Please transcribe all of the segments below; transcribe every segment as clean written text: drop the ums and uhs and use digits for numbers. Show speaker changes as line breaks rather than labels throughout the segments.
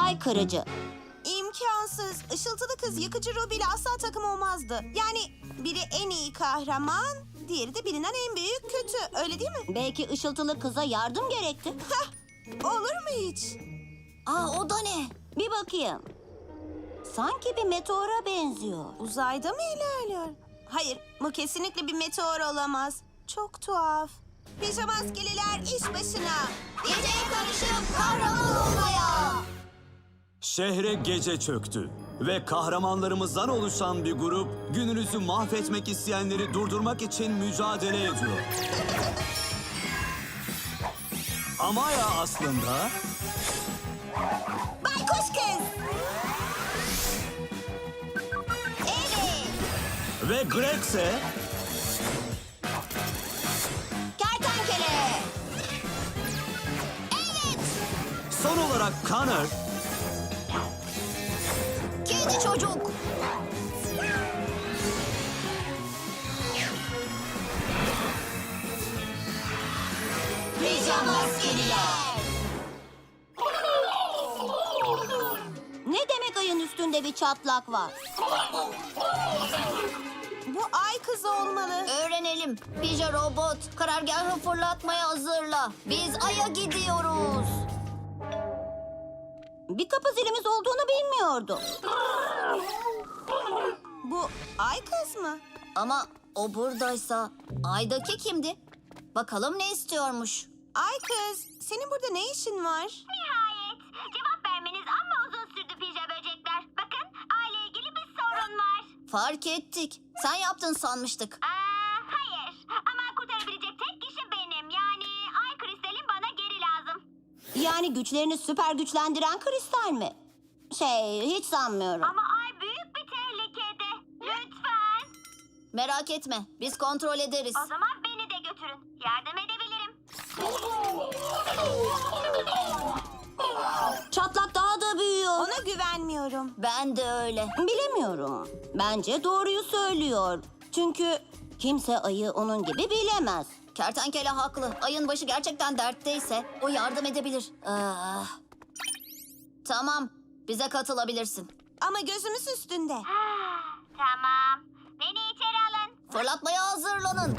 ay kırıcı.
İmkansız. Işıltılı kız yıkıcı Ruby ile asla takım olmazdı. Yani biri en iyi kahraman, diğeri de bilinen en büyük kötü. Öyle değil mi?
Belki ışıltılı kıza yardım gerekti.
Hah, olur mu hiç?
O da ne? Bir bakayım. Sanki bir meteora benziyor.
Uzayda mı ilerliyor? Hayır, bu kesinlikle bir meteor olamaz. Çok tuhaf. Pijamaskeliler iş başına.
Geceye karışıp kahraman olmaya.
Şehre gece çöktü ve kahramanlarımızdan oluşan bir grup gününüzü mahvetmek isteyenleri durdurmak için mücadele ediyor. Amaya aslında
Baykuş kız. Evet.
ve Greg ise
Kertenkele.
son olarak Connor
Kedi çocuk. Pijamaskeliler. Ne demek ayın üstünde bir çatlak var?
Bu ay kızı olmalı.
Öğrenelim. Pija robot, karargahı fırlatmaya hazırla. Biz Ay'a gidiyoruz. Bir kapı zilimiz olduğunu bilmiyordum.
Bu ay kız mı?
Ama o buradaysa Ay'daki kimdi? Bakalım ne istiyormuş.
Ay kız, senin burada ne işin var?
Nihayet. Cevap vermeniz amma uzun sürdü pija böcekler. Bakın, aile ilgili bir sorun var.
Fark ettik. Sen yaptın sanmıştık.
Hayır. Ama kurtarabilecek tek kişi benim. Yani ay kristalim bana geri lazım.
Yani güçlerini süper güçlendiren kristal mi? Hiç sanmıyorum.
Ama ay büyük bir tehlikede. Lütfen.
Merak etme, biz kontrol ederiz.
O zaman beni de götürün. Yardım edebilirim.
Çatlak daha da büyüyor.
Ona güvenmiyorum.
Ben de öyle. Bilemiyorum. Bence doğruyu söylüyor. Çünkü kimse ayı onun gibi bilemez. Kertenkele haklı. Ayın başı gerçekten dertteyse o yardım edebilir. Tamam, bize katılabilirsin.
Ama gözümüz üstünde.
Tamam. Beni içeri alın.
Fırlatmaya hazırlanın.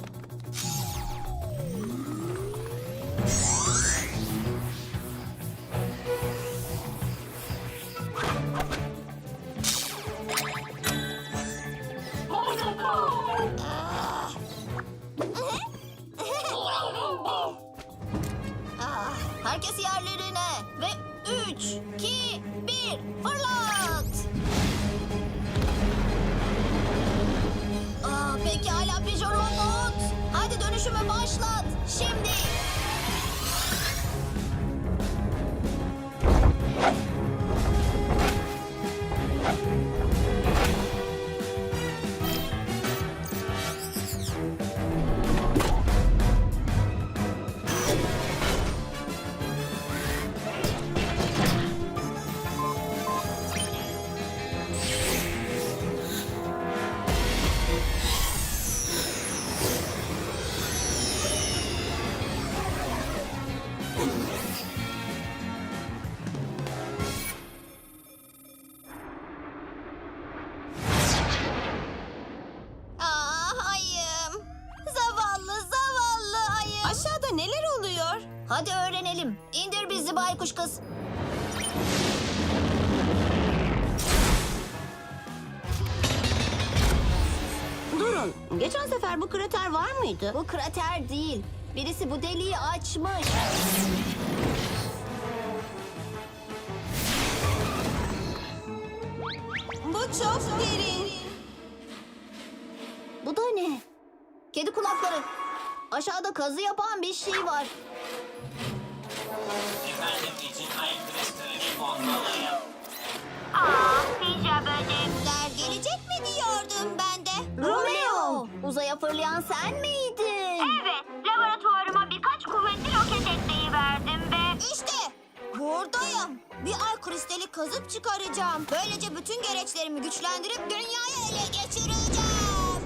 Herkes yerlerine ve 3, 2, 1 fırlat! Pekala Pija Robot. Hadi dönüşümü başlat. Şimdi. Ayım. Zavallı ayım.
Aşağıda neler oluyor?
Hadi öğrenelim. İndir bizi baykuş kız. Durun. Geçen sefer bu krater var mıydı? Bu krater değil. Birisi bu deliği açmış.
Bu çok derin.
Bu da ne? Kedi kulakları. Aşağıda kazı yapan bir şey var.
Efendim için ay kristalini bulmalıyım.
Pija böcekler.
Gelecek mi diyordum ben de? Romeo! Uzaya fırlayan sen miydin?
Evet. Laboratuvarıma birkaç kuvvetli roket ekleyi verdim ve...
İşte buradayım. Bir ay kristali kazıp çıkaracağım. Böylece bütün gereçlerimi güçlendirip dünyayı ele geçireceğim.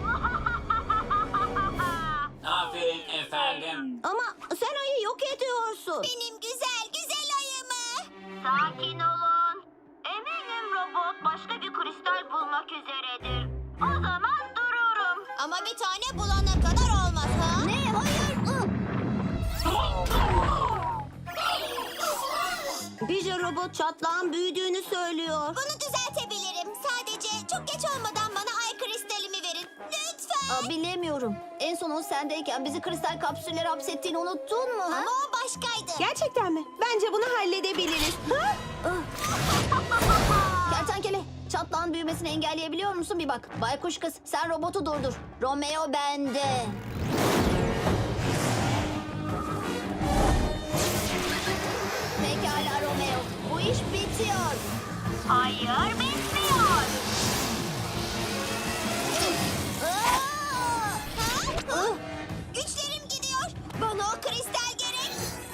Aferin efendim.
Ama sen ayı yok ediyorsun.
Benim güzel ayımı.
Sakin olun. olmak üzeredir. O zaman dururum.
Ama bir tane bulana kadar olmaz ha? Ne? Hayır. Pija robot çatlağın büyüdüğünü söylüyor.
Bunu düzeltebilirim. Sadece çok geç olmadan bana ay kristalimi verin. Lütfen.
Bilemiyorum. En son o sendeyken bizi kristal kapsüllere hapsettiğini unuttun mu? Ha?
Ama o başkaydı.
Gerçekten mi? Bence bunu halledebiliriz. Ha?
Kertenkele, çatlağın büyümesini engelleyebiliyor musun bir bak. Baykuş kız, sen robotu durdur. Romeo bende. Pekala Romeo, bu iş bitiyor.
Hayır, bitmiyor.
Güçlerim gidiyor. Bana o kristal gerek.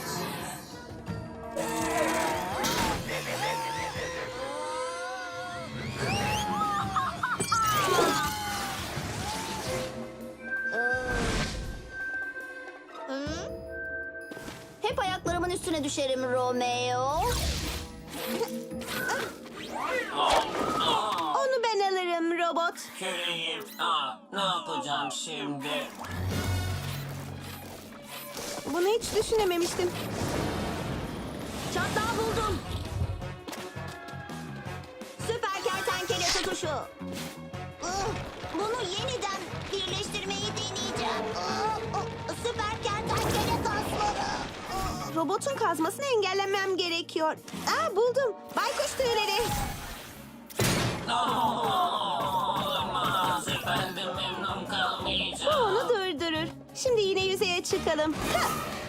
Hep ayaklarımın üstüne düşerim Romeo.
Onu ben alırım robot.
Küreğim. Ne yapacağım şimdi?
Bunu hiç düşünememiştim.
Çatlağı buldum. Süper kertenkele tutuşu.
Bunu yeniden birleştirmeyi deneyeceğim. Süper kertenkele kasları.
Robotun kazmasını engellemem gerekiyor. Buldum. Baykuş tüyleri.
Olamaz efendim, memnun
Bu
kalmayacağım.
onu durdurur. Şimdi yine yüzeye çıkalım. Ha!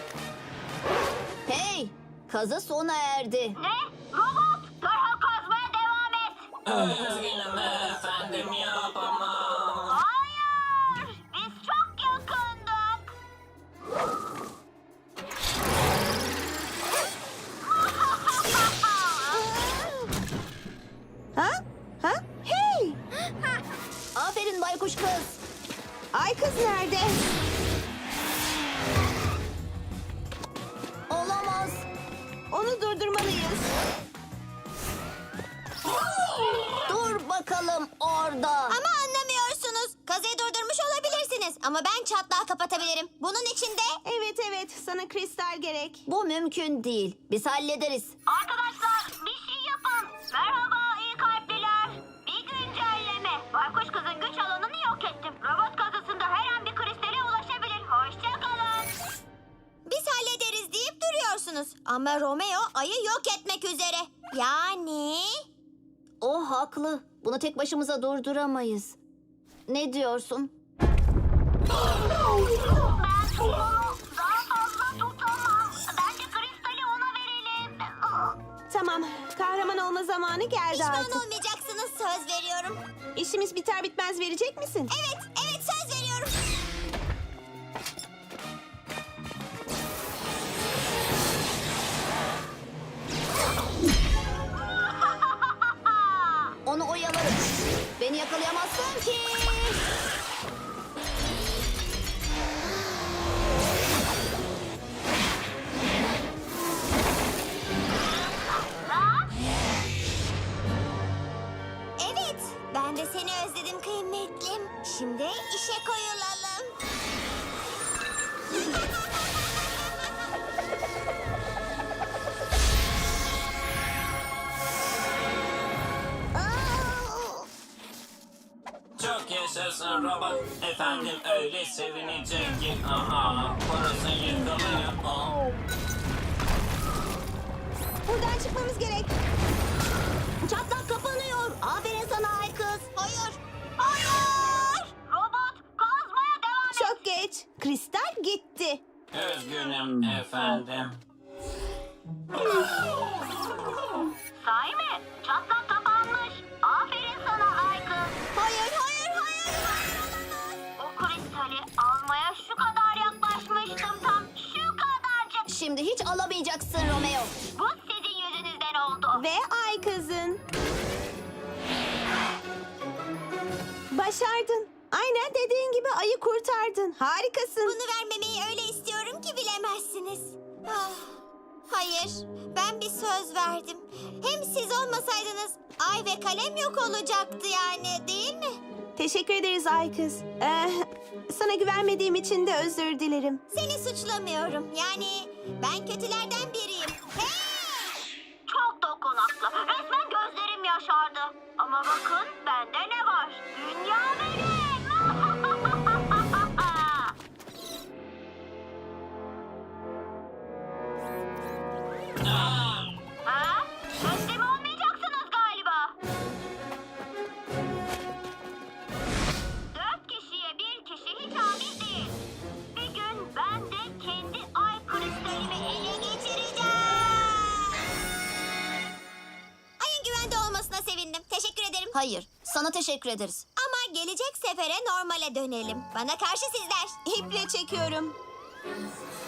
Hey, kazı sona erdi.
Ne? Robot, derhal kazmaya devam et.
Üzgünüm efendim, yapamam.
Hayır, biz çok yakındık.
Ha? Ha? Hey!
Aferin baykuş kız.
Ay kız nerede?
Olamaz.
Onu durdurmalıyız.
Dur bakalım orada.
Ama anlamıyorsunuz. Kazıyı durdurmuş olabilirsiniz. Ama ben çatlağı kapatabilirim. Bunun için de...
Evet, sana kristal gerek.
Bu mümkün değil. Biz hallederiz.
Arkadaşlar, bir şey yapın. Merhaba iyi kalpliler. Bir güncelleme. Baykuş kızın güç alanını yok ettim. Robot kazısında her an bir kristale ulaşabilir. Hoşça kalın.
Biz hallederiz deyip duruyorsunuz. Ama Romeo ayı yok etmek üzere. Yani...
O haklı. Bunu tek başımıza durduramayız. Ne diyorsun?
Ben onu daha fazla tutamam. Bence kristali ona verelim.
Tamam, kahraman olma zamanı geldi
Pişman
artık.
olmayacaksınız, söz veriyorum.
İşimiz biter bitmez verecek misin?
Evet söz veriyorum.
Onu oyalarım. Beni yakalayamazsın ki.
Evet, ben de seni özledim kıymetlim. Şimdi işe koyulalım.
Çok yaşasın robot. Efendim öyle sevinecek ki. Aha, burası yıkılıyor.
Buradan çıkmamız gerek.
Çatlak kapanıyor. Aferin sana ay kız.
Hayır.
Robot, kazmaya devam et.
Çok geç. Kristal gitti.
Üzgünüm efendim.
Sahi mi? Çatlak kapanmış. Aferin sana ay kız.
Hayır.
O kristali almaya şu kadar yaklaşmıştım tam. Şu kadarcık.
Şimdi hiç alamayacaksın Romeo.
Bu sizin yüzünüzden oldu.
Ve ay kızın. Başardın. Aynen dediğin gibi ayı kurtardın. Harikasın.
Bunu vermemeyi öyle istiyorum ki bilemezsiniz. Ah, hayır.
Hayır, ben bir söz verdim. Hem siz olmasaydınız ay ve kalem yok olacaktı yani, değil mi?
Teşekkür ederiz ay kız. Sana güvenmediğim için de özür dilerim.
Seni suçlamıyorum. Yani ben kötülerden biriyim. Hey! Çok dokunaklı. Resmen gözlerim yaşardı. Ama bakın bende ne var? Dünya benim. Ha? Teslim olmayacaksınız galiba. 4 kişiye bir kişi hiç adil değil. Bir gün ben de kendi ay kristalimi ele geçireceğim. Ayın güvende olmasına sevindim. Teşekkür ederim.
Hayır, sana teşekkür ederiz.
Ama gelecek sefere normale dönelim. Bana karşı sizler.
İple çekiyorum.